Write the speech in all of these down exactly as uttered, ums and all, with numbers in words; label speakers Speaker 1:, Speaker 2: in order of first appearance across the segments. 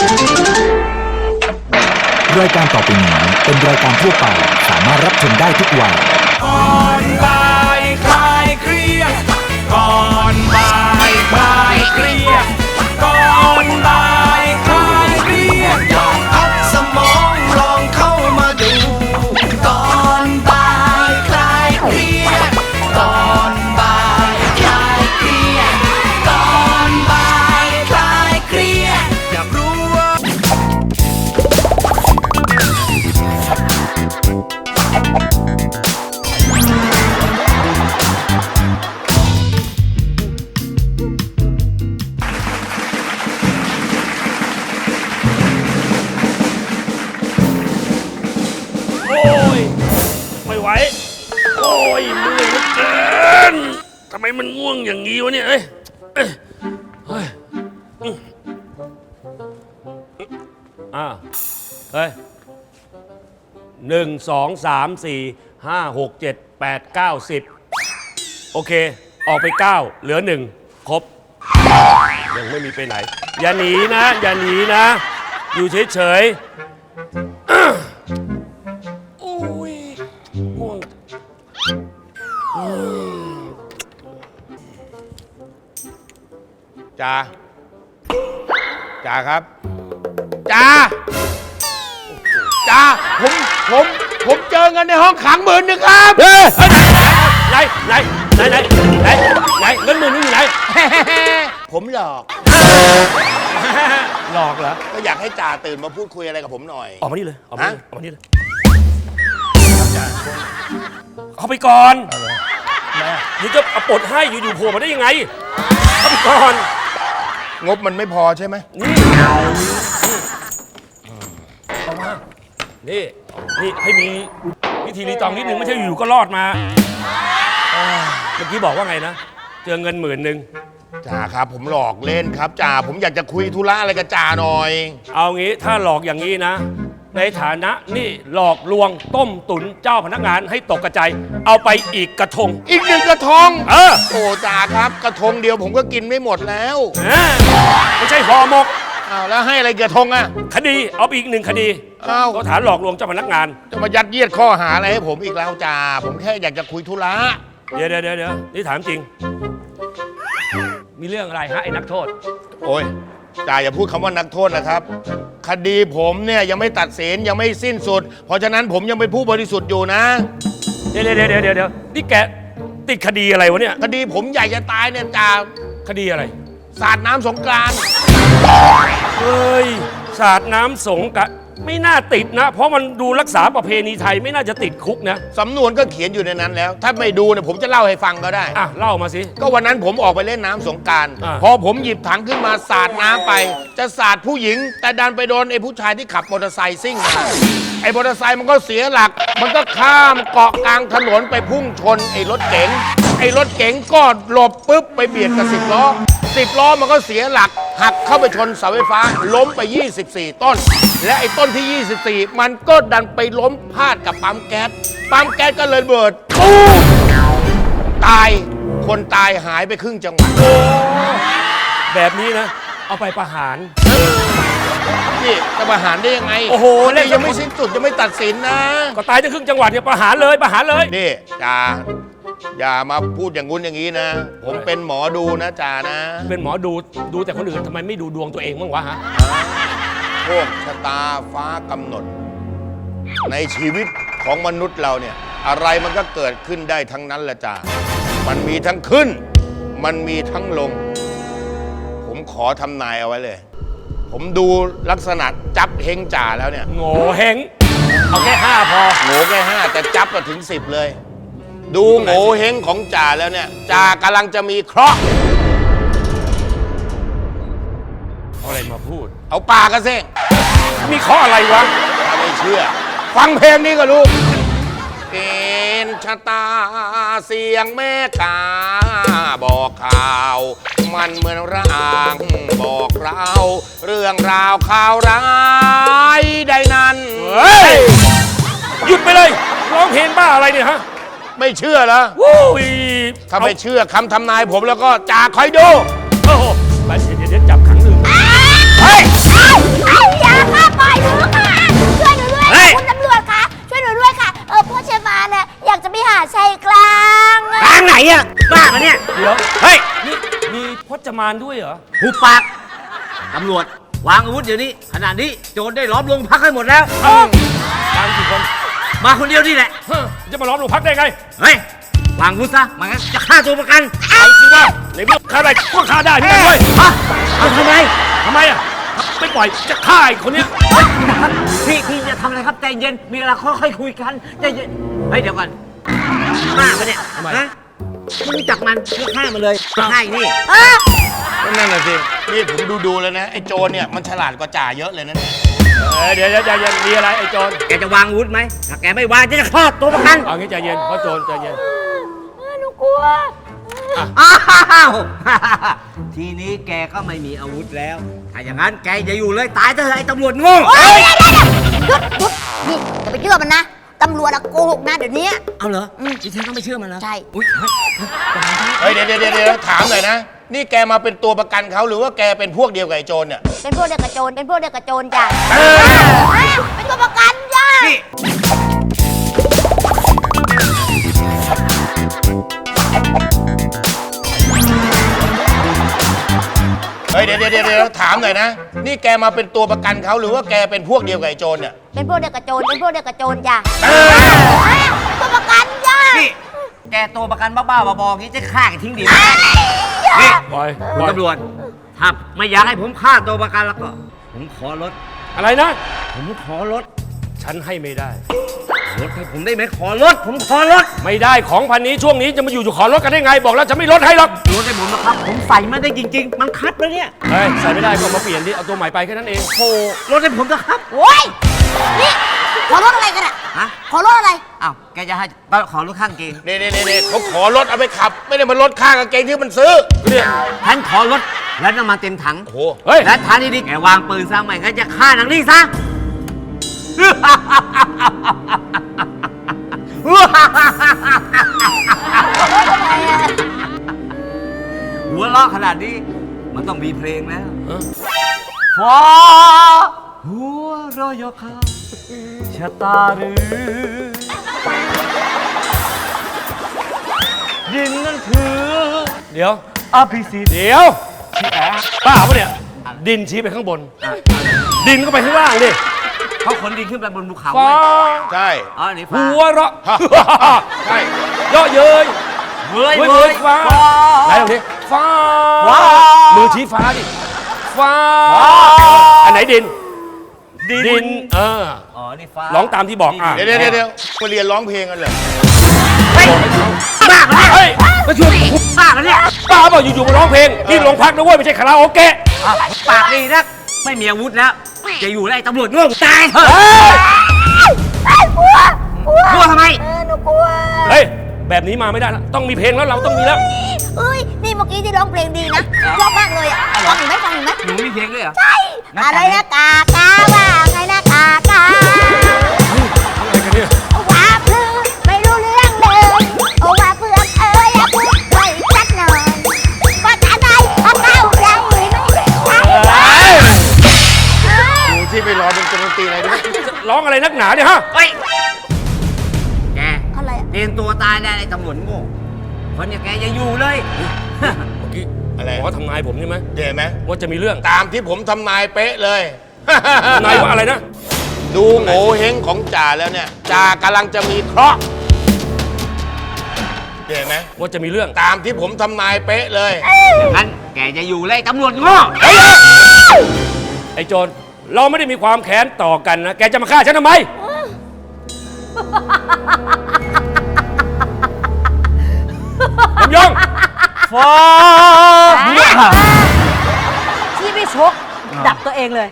Speaker 1: รายการต่อไปนี้เป็นรายการทั่วไปสามารถรับชมได้ทุกวัย
Speaker 2: ก่อนบ่ายคลายเครียดก่อนบ่ายคลายเครียดก่อนบ่ายคลายเครียดลองพักสมองลองเข้ามาดูก่อนบ่ายคลายเครียดก่อนบ่ายคลายเครียดก่อนบ่ายคลายเครียดอยากรู้ว่า
Speaker 3: ไม่ไหวโอ้ยเมื่อยเหลือเกินทำไมมันง่วงอย่างนี้วะเนี่ยเอ้ยเอ้ยเฮ้ยอ่าเฮ้ยหนึ่งสองสามสี่ห้าหกเจ็ดแปดเก้าสิบโอเคออกไปเก้าเหลือหนึ่งครบยังไม่มีไปไหนอย่าหนีนะอย่าหนีนะอยู่เฉยๆ
Speaker 4: จ่าจ่าครับจ่าจ่าผมผมผมเจอเงินในห้องขังหมื่นหนึ่งครับ
Speaker 3: เฮ้ยไหนไหนไหนไหนไหนไหนเงินหมื่นนึงอยู่ไหน
Speaker 4: ผมหลอก
Speaker 3: หลอกเหรอ
Speaker 4: ก็อยากให้จ่าตื่นมาพูดคุยอะไรกับผมหน่อย
Speaker 3: ออกมานี่เลยออกมานี่ออกมานี่เลยเข้าไปก่อนเดี๋ยวจะปลดให้อยู่ๆโผล่มาได้ยังไงเข้าไปก่อน
Speaker 4: งบมันไม่พอใช่ไหม
Speaker 3: นี่เอามานี่นี่ให้มีวิธีรีตองนิดนึงไม่ใช่อยู่ก็รอดมาเมื่อกี้บอกว่าไงนะเจอเงินหมื่นหนึ่ง
Speaker 4: จ่าครับผมหลอกเล่นครับจ่าผมอยากจะคุยธุระอะไรกับจ่าหน่อย
Speaker 3: เอางี้ถ้าหลอกอย่างนี้นะในฐานะนี่หลอกลวงต้มตุ๋นเจ้าพนักงานให้ตกกระจายเอาไปอีกกระทง
Speaker 4: อีกหนึ่งกระทง
Speaker 3: เออ
Speaker 4: โอ้จ่าครับกระทงเดียวผมก็กินไม่หมดแล้ว
Speaker 3: ไม่ใช่ห่อหมก
Speaker 4: อ้าวแล้วให้อะไรกระทงอ่ะ
Speaker 3: คดีเอาไปอีกหนึ่งคดี
Speaker 4: อ้าว
Speaker 3: ก็ฐานหลอกลวงเจ้าพนักงาน
Speaker 4: จะมายัดเยียดข้อหาอะไรให้ผมอีกแล้วจ่าผมแค่อยากจะคุยธุระ
Speaker 3: เดี๋ยวเดี๋ยวเดี๋ยวนี่ถามจริงมีเรื่องอะไรฮะไอ้นักโทษ
Speaker 4: โอ้ยจ่าอย่าพูดคำว่านักโทษนะครับคดีผมเนี่ยยังไม่ตัดสินยังไม่สิ้นสุดเพราะฉะนั้นผมยังเป็นผู้บริสุทธิ์อยู่นะ
Speaker 3: เดี๋ยวเดี๋ยวเดี๋ยวเดี๋ยวนี่แกติดคดีอะไรวะเนี่ย
Speaker 4: คดีผมใหญ่จะตายเนี่ยจ่า
Speaker 3: คดีอะไร
Speaker 4: สาดน้ำสงกรานต์
Speaker 3: เฮ้ยสาดน้ำสงกรานต์ไม่น่าติดนะเพราะมันดูรักษาประเพณีไทยไม่น่าจะติดคุกนะ
Speaker 4: สำนวนก็เขียนอยู่ในนั้นแล้วถ้าไม่ดูเนี่ยผมจะเล่าให้ฟังก็ได้
Speaker 3: อ่ะเล่ามาสิ
Speaker 4: ก็วันนั้นผมออกไปเล่นน้ำสงกรานต์พอผมหยิบถังขึ้นมาสาดน้ำไปจะสาดผู้หญิงแต่ดันไปโดนไอ้ผู้ชายที่ขับมอเตอร์ไซค์ซิ่งมาไอ้มอเตอร์ไซค์มันก็เสียหลักมันก็ข้ามเกาะกลางถนนไปพุ่งชนไอ้รถเก๋งไอ้รถเก๋งก็หลบปุ๊บไปเบียดกับสิบล้อสิบล้อมันก็เสียหลักหักเข้าไปชนเสาไฟฟ้าล้มไปยี่สิบสี่ต้นและไอ้ต้นที่ยี่สิบสี่มันก็ดันไปล้มพาดกับปั๊มแก๊สปั๊มแก๊สก็เลยเบิดตู้ตายคนตายหายไปครึ่งจังหวัด
Speaker 3: แบบนี้นะเอาไปประหาร
Speaker 4: นี่จะประหารได้ยังไง
Speaker 3: โอ้โห
Speaker 4: นี่ยังไม่สิ้นสุดยังไม่ตัดสินนะ
Speaker 3: ก็ตายทั้งครึ่งจังหวัดเนี่ยประหารเลยประหารเลย
Speaker 4: นี่จ่าอย่ามาพูดอย่างงู้นอย่างนี้นะผมเป็นหมอดูนะจ่านะ
Speaker 3: เป็นหมอดูดูแต่คนอื่นทำไมไม่ดูดวงตัวเองบ้างวะฮะ
Speaker 4: โชคชะตาฟ้ากำหนดในชีวิตของมนุษย์เราเนี่ยอะไรมันก็เกิดขึ้นได้ทั้งนั้นแหละจ่ามันมีทั้งขึ้นมันมีทั้งลงผมขอทำนายเอาไว้เลยผมดูลักษณะจับเฮงจ่าแล้วเนี่ย
Speaker 3: โง่เฮงเอาแค่ห้าพอ
Speaker 4: โง่แค่ห้าแต่จับมาถึงสิบเลยดูโง่เฮงของจ่าแล้วเนี่ยจ่ากำลังจะมีเคราะห์
Speaker 3: เอาอะไรมาพูด
Speaker 4: เอาปากกันสิ
Speaker 3: มีเคราะห์อะไรวะ
Speaker 4: ถ้าไม่เชื่อฟังเพลงนี้ก็รู้เกณฑ์ชะตาเสียงแม่กาบอกข่าวมันเหมือนร่างบอกเราเรื่องราวข่าวร้ายใดนั้น
Speaker 3: เฮ้ยหยุดไปเลยร้องเพลงบ้าอะไรเนี่ยฮะ
Speaker 4: ไม่เชื่อเหรอถ้าไม่เชื่อคำทำนายผมแล้วก็จ่าคอยดู
Speaker 3: โอ้โหไปเดี๋ยวจับขังหนึ่งเฮ้ยรอ
Speaker 5: หุบปากตำรวจวางอาวุธเดี๋ยวนี้ขณะนี้โจรได้ล้อมโรงพักให้หมดแล้ว
Speaker 3: ตามกี่คน
Speaker 5: มาคนเดียวนี่แหละ
Speaker 3: เฮ้ยจะมาล้อมโรงพักได้ไง
Speaker 5: เฮ้ยวางอาวุธซะไมันจะฆ่าตัวประกัน
Speaker 3: เอาสิว่าในเมื่อฆ่าได้ก็ฆ่าได้ไม่ได้ด้วย
Speaker 5: ฮะเอาทำไม
Speaker 3: ทำไมอ่ะไม่ปล่อยจะฆ่าไอ้คนเนี้ย
Speaker 5: พี่พี่จะทำอะไรครับใจเย็นมีอะไรค่อยๆคุยกันใจเย็นเฮ้ยเดี๋ยวก่อนฆ่ามันเนี่ยฮะไม่รู้จักมันเพื่อฆ่ามันเลยฆ่าไอ้นี่
Speaker 4: ก็นั่นน่ะสิ นี่ผมดูดูๆแล้วนะ ไอ้โจรเนี่ยมันฉลาดกว่าจ่าเยอะเลยนะเนี่ย
Speaker 3: เออเดี๋ยวใจเย็นมีอะไรไอ้โจร
Speaker 5: แกจะวางอาวุธไหมถ้าแกไม่วางจะฆ่าตัวประกัน
Speaker 3: เอางี้ใจเย็นเพราะโจรใจเย็น
Speaker 6: หนูกลัว
Speaker 5: อ้าว ทีนี้แกก็ไม่มีอาวุธแล้ว ถ้าอย่างนั้นแกอย่าอยู่เลยตายเถอะไอ้ตำรวจโง่
Speaker 6: เฮ้ยเดี๋ยวเดี๋ยวหยุดหยุดนี่อย่าไปเชื่อมันนะ ตำรวจอะโกหกนะเดี๋ยวนี้
Speaker 5: เอาเหรอดิฉันก็ไม่เชื่อมันแล้ว
Speaker 6: ใช่
Speaker 5: อุ้ยเฮ้ย
Speaker 4: เฮ้ยเดี๋ยวเดี๋ยวเดี๋ยวถามหน่อยนะ นี่แกมาเป็นตัวประกันเขาหรือว่าแกเป็นพวกเดียวกับไอ้โจรเนี่ย
Speaker 6: เป็นพวกเดียวกับโจร เป็นพวกเดียวกับโจรจ้ะเป็นตัวประกันจ้ะ
Speaker 5: นี่
Speaker 4: เฮ้ยเดี๋ยวเดี๋ยวเดี๋ยวถามหน่อยนะ นี่แกมาเป็นตัวประกันเขาหรือว่าแกเป็นพวกเดียวกับไอ้โจรเนี่ย
Speaker 6: เป็นพวกเดียวกับโจร เป็นพวกเดียวกับโจรจ้ะเป็นตัวประกันจ้ะ
Speaker 5: นี่แกตัวประกันบ้าๆบอๆงี้จะฆ่ากันทิ้งดีไหมนี่
Speaker 3: ปล่อย
Speaker 5: คุ
Speaker 3: ป
Speaker 5: ณ
Speaker 3: ล่อย
Speaker 5: ตำรวจถ้าไม่อยากให้ผมฆ่าตัวประกันแล้วก็ ผมขอลด
Speaker 3: อะไรนะ
Speaker 5: ผมขอลด
Speaker 3: ฉันให้ไม่ได้
Speaker 5: ลดให้ผมได้ไหมขอลด ผมขอลด
Speaker 3: ไม่ได้ของพันนี้ช่วงนี้จะมาอยู่อยู่ขอลดกันได้ไง บอกแล้วจะไม่ลดให้หรอก
Speaker 5: ลดให้ผมนะครับ ผมใส่ไม่ได้จริง ๆ มันคัดแล้วเนี่ย
Speaker 3: เฮ้ยใส่ไม่ได้ก็มาเปลี่ยนดิเอาตัวใหม่ไปแค่นั้นเอง
Speaker 5: โอ้ลดให้ผมนะครับ
Speaker 6: โอ้ย นี่ ขอรถอะไรกันอะ
Speaker 5: ฮะ
Speaker 6: ขอรถอะไร
Speaker 5: อ้าวแกจะให้ก็ขอลดข้างเกง
Speaker 4: นี่นี่นี่เขาขอรถเอาไปขับ ไม่ได้มาลดค่ากางเกงที่มันซื้อ
Speaker 3: เนี่ย
Speaker 5: ฉันขอลดและน้ำมันเต็มถัง
Speaker 4: โอ้โห
Speaker 3: เฮ้ย
Speaker 5: และทานดีๆแกวางปืนซะไม่งั้นจะฆ่านางนี่ซะ หัวเราะขนาดนี้ มันต้องมีเพลงแล้ว
Speaker 3: เออ
Speaker 5: ฟ้าหัวเรอยคาชะตาหรือดินนั่นคือ
Speaker 3: เดี๋ยว
Speaker 5: อภิสิทธิ์
Speaker 3: เดี๋ยวป้าปะเนี่ย ดินชี้ไปข้างบน ดินก็ไปข้างล่างดิ
Speaker 5: เขาขนดินขึ้นไปบนภูเขา
Speaker 3: ฟ้า
Speaker 4: ใช่
Speaker 5: อ๋อนี่ฟ้า
Speaker 3: หัวเราะ
Speaker 4: ใช่
Speaker 3: เยอะเย้ย
Speaker 5: เว้ย
Speaker 3: เว้ย
Speaker 5: เว้
Speaker 3: เว้
Speaker 5: ย
Speaker 3: ยฟ้า
Speaker 5: ฟ้า
Speaker 3: ไหนตรงนี้ฟ้า
Speaker 5: ฟ้า
Speaker 3: มือชี้ฟ้าดิ ฟ้า อันไหนดิน ดิน เออ
Speaker 5: อ๋อ นี่ฟ้า
Speaker 3: ร้องตามที่บอกอ่ะ
Speaker 4: เดี๋ยวเดี๋ยวเดี๋ยวมาเรียนร้องเพลงกันเลย
Speaker 5: บ้ากันเนี่ย
Speaker 3: เฮ้ย
Speaker 5: มาช่วยบ้ากันเนี่ย
Speaker 3: ป้าบอกอยู่ๆมาร้องเพลงที่โรงพักนะเว้ยไม่ใช่คาราโอเกะ
Speaker 5: อ่ะปากดีนักไม่มีอาวุธแล้ว จะอยู่ไล่ตำรวจโง่ตายเถอะ
Speaker 3: เฮ้ย
Speaker 6: ไอ้ยกลัว กลัว
Speaker 5: กลัวทำไม
Speaker 6: เออหนูกลัว
Speaker 3: เฮ้ย แบบนี้มาไม่ได้แล้วต้องมีเพลงแล้วเราต้องมีแล้ว
Speaker 6: เอ้ย นี่เมื่อกี้ที่ร้องเพลงดีนะชอบมากเลยอะฟังอีกไหมฟังอีกไหม
Speaker 5: หนูมีเพลงด้วยเหรอ
Speaker 6: ใช่ อะไรนะกากาว่าไงนะกากา
Speaker 3: อะไรกันเนี่ย
Speaker 6: ว่าเพื่อนไม่รู้เรื่องเลยโอ้ว่าเพื่อนเอ้ยอย่าพูดไว้สักหน่อยก็จะได้ทำเข้าใจไหมใช่ไหม
Speaker 4: ดูที่ไปรอดนตรีอะไรด้วย
Speaker 3: ร้องอะไรนักหนาเนี่ยฮะ
Speaker 5: เฮ้ย แก
Speaker 6: อะไรอะ
Speaker 5: เตรียมตัวตายได้ไอ้ตำรวจโง่คนอย่างแกอย่าอยู่เลย
Speaker 3: เมื่อกี้
Speaker 4: อะไร
Speaker 3: หมอทำนายผมใช่ไหม
Speaker 4: เห็นไหม
Speaker 3: ว่าจะมีเรื่อง
Speaker 4: ตามที่ผมทำนายเป๊ะเลย
Speaker 3: ทำนายว่าอะไรนะ
Speaker 4: ดูโง่เฮงของจ่าแล้วเนี่ยจ่ากำลังจะมีเคราะห์เห็นไหม
Speaker 3: ว่าจะมีเรื่อง
Speaker 4: ตามที่ผมทำนายเป๊ะเลย
Speaker 5: งั้นแกจะอยู่เลยไอ้ตำรวจโง่
Speaker 3: ไอ้โจรเราไม่ได้มีความแค้นต่อกันนะ แกจะมาฆ่าฉันทำไมลำยอง
Speaker 5: ฟ้า
Speaker 7: ที่ไม่ชก ดับตัวเองเลย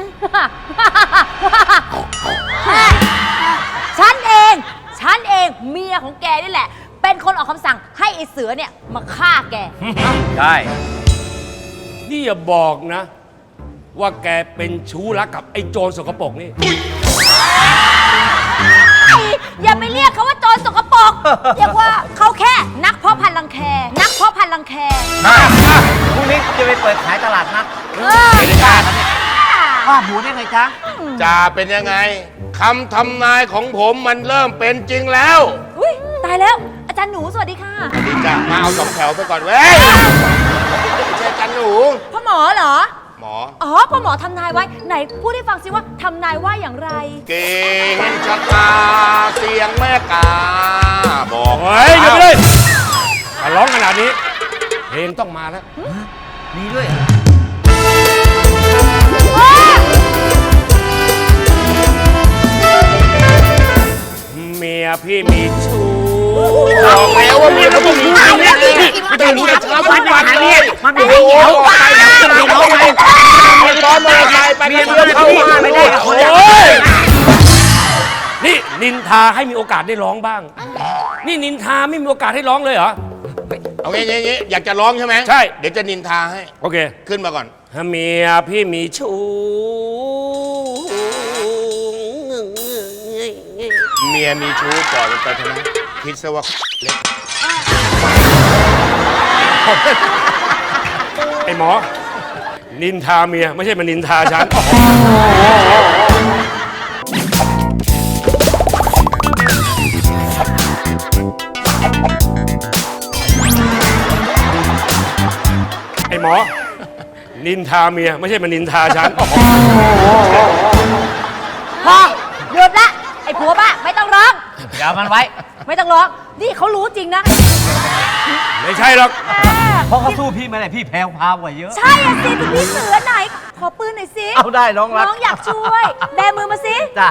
Speaker 7: ฉันเอง ฉันเองเมียของแกนี่แหละ เป็นคนออกคำสั่งให้ไอ้เสือเนี่ยมาฆ่าแก
Speaker 5: ใช่
Speaker 3: นี่อย่าบอกนะ ว่าแกเป็นชู้รักกับไอ้โจรสกปรกนี่
Speaker 7: อย่าไปเรียกเขาว่าโจรสกปรกเรียกว่าเขาแค่นักเพาะพันธุ์รังแค นักเพาะพันธุ์รังแค
Speaker 5: พรุ่งนี้จะไปเปิดขายตลาดนัด
Speaker 7: เออ
Speaker 5: ไม่ได้กล้าครับเนี่ยว่าหมูได้ไงจ๊ะ
Speaker 4: จ่าเป็นยังไงคำทำนายของผมมันเริ่มเป็นจริงแล้ว
Speaker 7: อุ้ยตายแล้ว อาจารย์หนูสวัสดีค่ะ
Speaker 4: ดีจ้ะมาเอาสองแถวไปก่อนเว้ยช่จันหนู
Speaker 7: พ่อหมอเหรอ
Speaker 4: หมอ
Speaker 7: อ๋อ พ่อหมอทำนายไว้ ไหนพูดให้ฟังสิว่าทำนายว่าอย่างไร
Speaker 4: เก่งชะตาเสียงแม่กาบอก
Speaker 3: เฮ้ยหยุดไปเลยถ้าร้องขนาดนี้เพลงต้องมาแล้ว
Speaker 5: มีด้วย
Speaker 3: เมียพี่มีชู้
Speaker 4: บอกแล้วว่าเมียเขาต้องมีชู้นี่ไม่ต้องรู้แต่เช้าทุกวันเลย
Speaker 5: มันไม่ให้เหนียวไปนะจะไปร้องไง
Speaker 4: ไปซ้อนมอเตอร์ไซค์ไปกันเดียวเข้าบ้าน
Speaker 5: ไม่ได้กับคนเดียว
Speaker 3: โอ้ยนี่นินทาให้มีโอกาสได้ร้องบ้าง นี่นินทาไม่มีโอกาสให้ร้องเลยเหรอ
Speaker 4: เอางี้งี้งี้อยากจะร้องใช่ไหม
Speaker 3: ใช่
Speaker 4: เดี๋ยวจะนินทาให้
Speaker 3: โอเค
Speaker 4: ขึ้นมาก่อน
Speaker 3: เมียพี่มีชู้
Speaker 4: เมียมีชู้ก่อนไปเถอะนะคิดซะว่าเล็ก
Speaker 3: ไอ้หมอ นินทาเมียไม่ใช่มานินทาฉัน ไอ้หมอ นินทาเมียไม่ใช่มานินทาฉัน
Speaker 7: พอหยุดละ ไอ้ผัวบ้าไม่ต้องร้อง
Speaker 5: อย่ามันไว้
Speaker 7: ไม่ต้องร้อง นี่เขารู้จริงนะ
Speaker 3: ไม่ใช่หรอก
Speaker 5: เพราะเขาสู้พี่ไม่ได้พี่แพ้วพาวกว่าเยอะ
Speaker 7: ใช่อะสิคุณพี่เสือไหน ขอปืนหน่อยสิ
Speaker 5: เอาได้น้องรัก
Speaker 7: น้องอยากช่วย แบมือมาสิ
Speaker 5: จ้ะ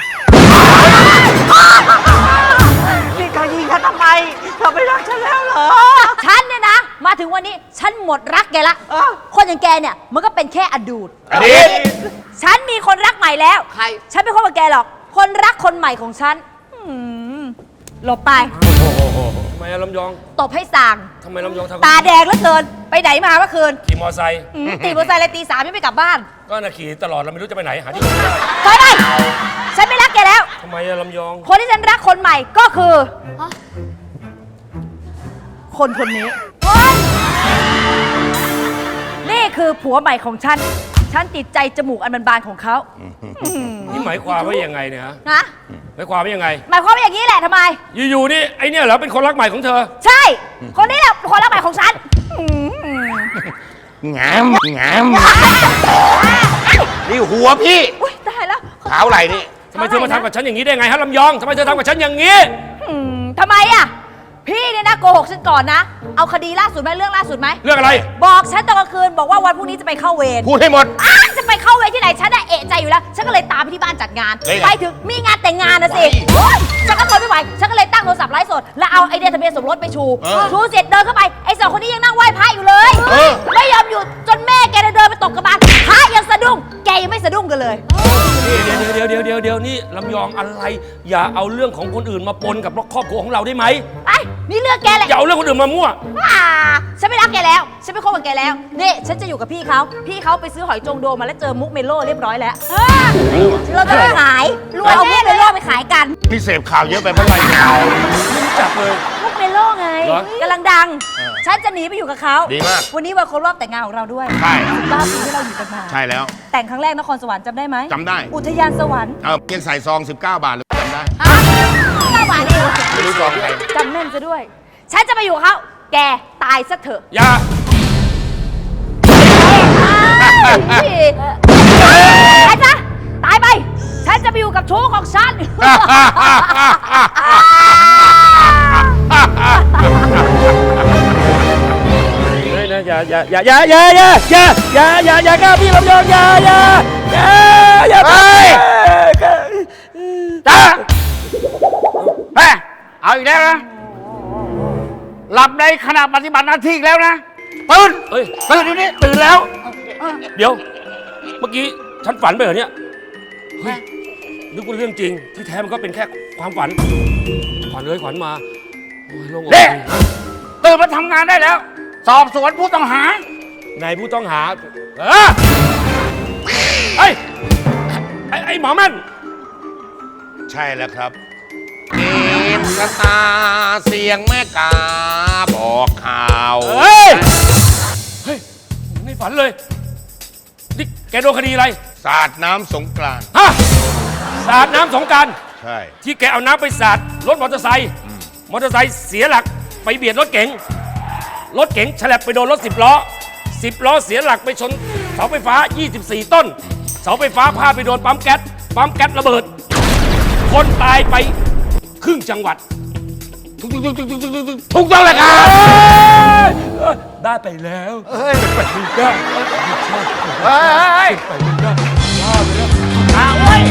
Speaker 5: พี่จะยิงฉันทำไมเธอไม่รักฉันแล้วเหรอ
Speaker 7: ฉันเนี่ยนะ มาถึงวันนี้ฉันหมดรักแกละ
Speaker 5: อ้าว
Speaker 7: คนอย่างแกเนี่ยมันก็เป็นแค่อดีต
Speaker 4: อดีต
Speaker 7: ฉันมีคนรักใหม่แล้ว
Speaker 5: ใคร
Speaker 7: ฉันไม่คบกับแกหรอก คนรักคนใหม่ของฉันอืมหลบไป
Speaker 3: ทำไมอะลำยอง
Speaker 7: ตบให้สั่ง
Speaker 3: ทำไมลำยองทำ
Speaker 7: ตาแดงเหลือเกิน ไปไหนมาเมื่อคืน
Speaker 3: ขี่มอไซค์
Speaker 7: อืมตีมอเตอร์ไซค์เลยตีสามยังไม่กลับบ้าน
Speaker 3: ก็น่ะขี่ตลอดเราไม่รู้จะไปไหนหาที่ไหนไม่ได้
Speaker 7: ถอยไปฉันไม่รักแกแล้ว
Speaker 3: ทำไมอะลำยอง
Speaker 7: คนที่ฉันรักคนใหม่ก็คือ คนคนนี้ นี่คือผัวใหม่ของฉัน ฉันติดใจจมูกอันบานๆของเขา
Speaker 3: นี่หมายความว่ายังไงเนี่ยฮะ
Speaker 7: นะ
Speaker 3: หมายความว่ายังไง
Speaker 7: หมายความว่าอย่างนี้แหละทำไม
Speaker 3: อยู่ๆนี่ไอเนี่ยเหรอเป็นคนรักใหม่ของเธอ
Speaker 7: ใช่ คนนี้แหละคนรักใหม่ของฉันอืม
Speaker 4: งามงามนี่หัวพี่
Speaker 7: อุ้ยตายแล้ว
Speaker 4: ขาวไหลนี่
Speaker 3: ทำไมเธอมาทำกับฉันอย่างนี้ได้ไงฮะลำยองทำไมเธอทำกับฉันอย่างนี้
Speaker 7: อืมทำไมอ่ะ พี่เนี่ยนะโกหกฉันก่อนนะ เอาคดีล่าสุดไหมเรื่องล่าสุดไหม
Speaker 3: เรื่องอะไร
Speaker 7: บอกฉันตอนกลางคืนบอกว่าวันพรุ่งนี้จะไปเข้าเวร
Speaker 4: พูดให้หมด
Speaker 7: อ้าวจะไปเข้าเวรที่ไหนฉันน่ะเอะใจอยู่แล้ว ฉันก็เลยตามไปที่บ้านจัดงาน
Speaker 4: เฮ้ย
Speaker 7: ไปถึงมีงานแต่งงานนะสิโอ๊ยฉันก็ทนไม่ไหว ฉันก็เลยตั้งโทรศัพท์ไลฟ์สด แล้วเอาไอเดียทะเบียนสมรสไปชู ชูเสร็จเดินเข้าไป ไอสองคนนี้ยังนั่งไหว้พระอยู่เลย ไม่ยอมหยุดจนแม่แกเดินไปตกกระบาลพระยังสะดุ้ง แกยังไม่สะดุ้งกันเลย
Speaker 3: เดี๋ยวเดี๋ยวเดี๋ยวเดี๋ยวนี่ลำยองอะไร อย่าเอาเรื่องของคนอื่นมาปนกับครอบครัวของเราได้ไหม
Speaker 7: ไป นี่เรื่องแกแหละ
Speaker 3: อย่าเอาเรื่องคนอื่นมามั่ว
Speaker 7: อ่าฉันไม่รักแกแล้ว ฉันไม่คบกับแกแล้ว นี่ ฉันจะอยู่กับพี่เขา พี่เขาไปซื้อหอยจงโดมาแล้วเจอมุกเมโลเรียบร้อยแล้วเออเราจะไปขายรวยเอามุกเมโลไปขายกัน
Speaker 4: พี่เสพข่าวเยอะไปเมื่อไหร่
Speaker 3: ไม่รู้จักเลย
Speaker 7: มุกเมโลไง
Speaker 3: เหรอ
Speaker 7: กำลังดัง ฉันจะหนีไปอยู่กับเขา
Speaker 4: ดีมาก
Speaker 7: วันนี้วันครบรอบแต่งงานของเราด้วย
Speaker 4: ใช่
Speaker 7: บ้าปีที่เราอยู่กันมา
Speaker 4: ใช่แล้ว
Speaker 7: แต่งครั้งแรกนครสวรรค์จำได้ไหม
Speaker 4: จำได้
Speaker 7: อุทยานสวรรค์
Speaker 4: เออยังใส่ซอง สิบเก้า บาทเลยจำได้
Speaker 7: เก้าบาทเอง
Speaker 4: ไม่รู้ซองใคร
Speaker 7: จำแม่นซะด้วย ฉันจะไปอยู่กับเขา แกตายซะเถอะ
Speaker 3: อย่า
Speaker 7: พี่ตายซะตายไป ฉันจะไปอยู่กับชู้ของฉัน
Speaker 3: เฮ้ยนะอย่าอย่าอย่าอย่าอย่าอย่าอย่าอย่าอย่าอย่ากล้าพี่ลำยองอย่าอย่าอย่าอย่าไป
Speaker 5: จ้าเฮ้ยเอาอีกแล้วนะ หลับในขณะปฏิบัติหน้าที่อีกแล้วนะ ตื่น
Speaker 3: เฮ้ย
Speaker 5: ตื่นเดี๋ยวนี้
Speaker 3: ตื่นแล้ว เดี๋ยว เมื่อกี้ฉันฝันไปเหรอเนี่ยเฮ้ยนึกว่าเรื่องจริงที่แท้มันก็เป็นแค่ความฝันขวัญเลยขวัญมาโอ้ยโล่งอก
Speaker 5: เด็ก
Speaker 3: ดี
Speaker 5: ตื่นมาทำงานได้แล้ว สอบสวนผู้ต้องหา
Speaker 3: นายผู้ต้องหาเออเฮ้ยไอ้ไอ้หมอแม่น
Speaker 4: ใช่แล้วครับเกมชะตาเสียงแม่กาบอกข่าว
Speaker 3: เฮ้ย เฮ้ยในฝันเลย นี่แกโดนคดีอะไร
Speaker 4: สาดน้ำสงกรานต์
Speaker 3: ฮะ สาดน้ำสงกราร
Speaker 4: ใช่
Speaker 3: ที่แกเอาน้ำไปสาดรถมอเตอร์ไซค์ มอเตอร์ไซค์เสียหลักไปเบียดรถเก๋ง รถเก๋งฉลับไปโดนรถสิบล้อสิบล้อเสียหลักไปชนเสาไฟฟ้า ยี่สิบสี่ ต้น เสาไฟฟ้าพาดไปโดนปั๊มแก๊ส ปั๊มแก๊สระเบิด คนตายไปครึ่งจังหวัด
Speaker 4: ถูกถูกถูกถูกถูกถูกถูกต้องเลยครับ
Speaker 3: ได้ไปแล้ว
Speaker 4: เฮ้ยเฮ้ย
Speaker 5: อ้าวเว้ย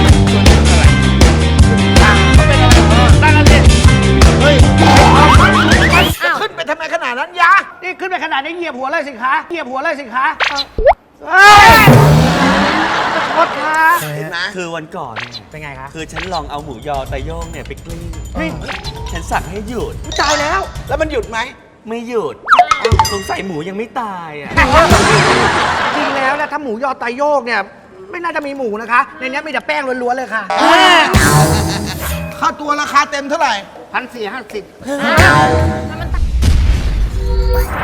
Speaker 3: ตั้งกันดิ
Speaker 5: ขึ้นไปทำไมขนาดนั้นยะนี่ขึ้นไปขนาดนี้เหยียบหัวเลยสิคะเหยียบหัวเลยสิคะเฮ้ยขอโทษค่ะ
Speaker 8: คือวันก่อนเนี่ย
Speaker 5: เป็นไงคะ
Speaker 8: คือฉันลองเอาหมูยอไตโย่งเนี่ยไปกลิ้งฉันสั่งให้หยุด
Speaker 5: ตายแล้วแล้วมันหยุดไหม
Speaker 8: ไม่หยุดสงสัยหมูยังไม่ตายอ่ะ
Speaker 5: จริงแล้วนะถ้าหมูยอไตโยกเนี่ยไม่น่าจะมีหมูนะคะ ในนี้มีแต่แป้งล้วนๆเลยค่ะ
Speaker 9: ค่าตัวราคาเต็มเท่าไหร่
Speaker 5: พันสี่ห้าสิบ